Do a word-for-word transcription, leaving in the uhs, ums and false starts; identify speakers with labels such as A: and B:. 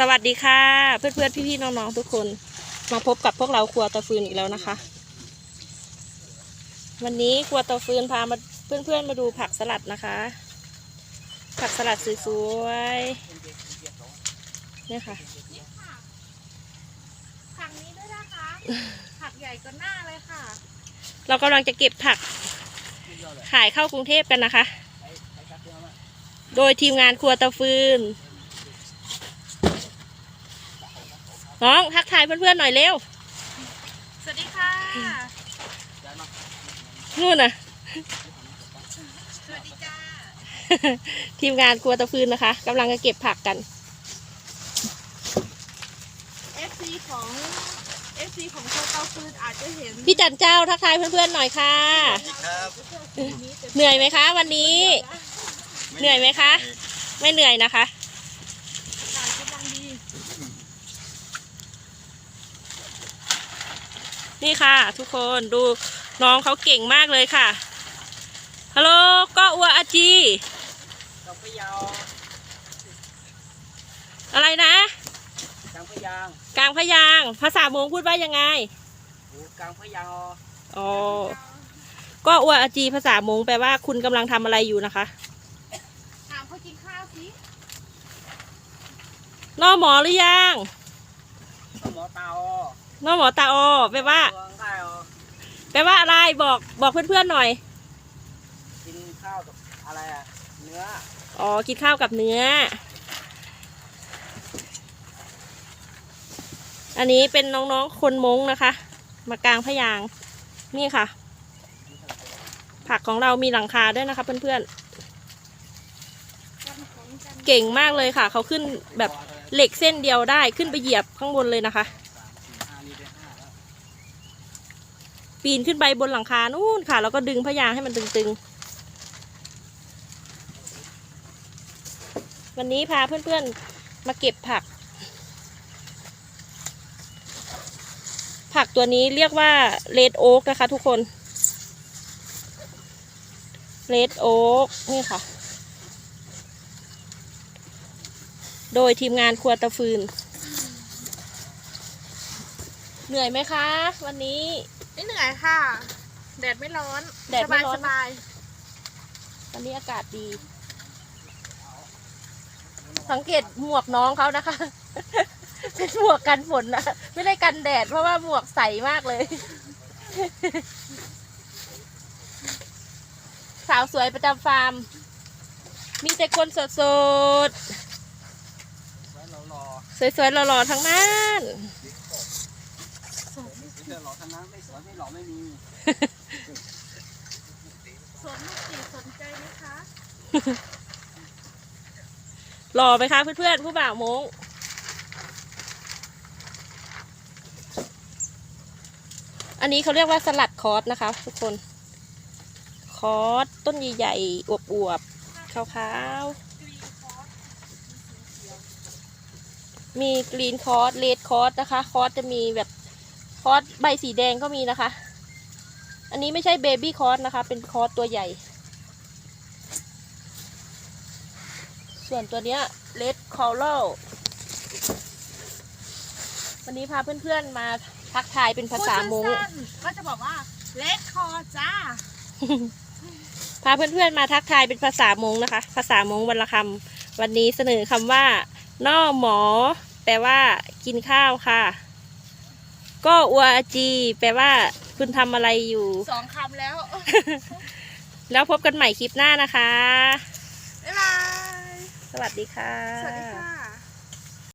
A: วัสดีค่ะเพื่อนๆพี่ๆน้องๆทุกคนมาพบกับพวกเราครัวตะฟืนอีกแล้วนะคะวันนี้ครัวตะฟืนพามาเพื่อนๆมาดูผักสลัดนะคะผักสลัดสวยๆเนี่ยค่ะ
B: ผักนี้ด้วยนะคะผักใหญ่ก็หน้าเลยค่ะ
A: เรากำลังจะเก็บผักขายเข้ากรุงเทพกันนะคะโดยทีมงานครัวตะฟืนน้องทักทายเพื่อนๆหน่อยเร็ว
B: สวัสดีค่ะ
A: นู่นน่ะ
B: สวัสดีจ้า
A: ทีมงานครัวตะฟืนนะคะกำลังจะเก็บผักกัน
B: เอฟซีของเอฟซีของโคเตาฟืนอาจจะเห็น
A: พี่จันเจ้าทักทายเพื่อนๆหน่อยค่ะเหนื่อยไหมคะวันนี้เหนื่อยไหมคะไม่เหนื่อยนะคะนี่ค่ะทุกคนดูน้องเขาเก่งมากเลยค่ะฮัลโหลก็อัวอาจีอะไรนะ
C: กลางพยาง
A: กลางพยางภาษามงพูดว่ายังไง
C: กลางพยาง
A: อ๋อก็อัวอาจีภาษามงแปลว่าคุณกำลังทำอะไรอยู่นะคะ
B: ถามเขากินข้าวสิ
A: นอหมอหรือยัง
C: หมอตาอ
A: นอหมอตาอแปลว่าแปลว่าอะไรบอกบอกเพื่อนๆหน่อย
C: กินข้าวกับอะไรอะเนื้อ
A: อ๋อกินข้าวกับเนื้ออันนี้เป็นน้องๆคนมงนะคะมากลางพยางนี่ค่ะผักของเรามีหลังคาด้วยนะคะเพื่อนๆเก่งมากเลยค่ะเขาขึ้นแบบเหล็กเส้นเดียวได้ขึ้นไปเหยียบข้างบนเลยนะคะปีนขึ้นไปบนหลังคานู่นค่ะแล้วก็ดึงพยางให้มันตึงๆวันนี้พาเพื่อนๆมาเก็บผักผักตัวนี้เรียกว่าเรดโอ๊กนะคะทุกคนเรดโอ๊กนี่ค่ะโดยทีมงานครัวตะฟืนเหนื่อยไหมคะวันนี้
B: ไม่เหนื่อยค่ะแดดไม่ร้อน
A: แดดไม่ร้อน
B: สบาย
A: วันนี้อากาศดีสังเกตหมวกน้องเขานะคะเป็นหมวกกันฝนนะไม่ได้กันแดดเพราะว่าหมวกใสมากเลยสาวสวยประจำฟาร์มมีแต่คนสดๆสวยๆหล่อๆทั้งนั้น
C: หล่อทั้งนั้นไม่สวยไม่หล่อไม่มี
B: สนลูกสีสนใจไหมคะ
A: หล่อไหมคะเพื่อนๆผู้บ่าวมงอันนี้เขาเรียกว่าสลัดคอสนะคะทุกคนคอสต้นใหญ่ๆอวบๆขาวๆมีกรีนคอสเรดคอสนะคะคอสจะมีแบบคอสใบสีแดงก็มีนะคะอันนี้ไม่ใช่เบบี้คอสนะคะเป็นคอสตัวใหญ่ส่วนตัวเนี้ยเรดคอรัลวันนี้พาเพื่อนๆมาทักทายเป็นภาษามง
B: ก็จะบอกว่าเลดคอจ้า
A: พาเพื่อนๆมาทักทายเป็นภาษามงนะคะภาษามงวรรณคำวันนี้เสนอคำว่าน่อหมอแปลว่ากินข้าวค่ะก็อัวอาจีแปลว่าคุณทำอะไรอยู่
B: สองคำแล้ว
A: แล้วพบกันใหม่คลิปหน้านะคะ
B: บ๊ายบาย
A: สวัสดีค่ะ
B: สวัสดีค่ะ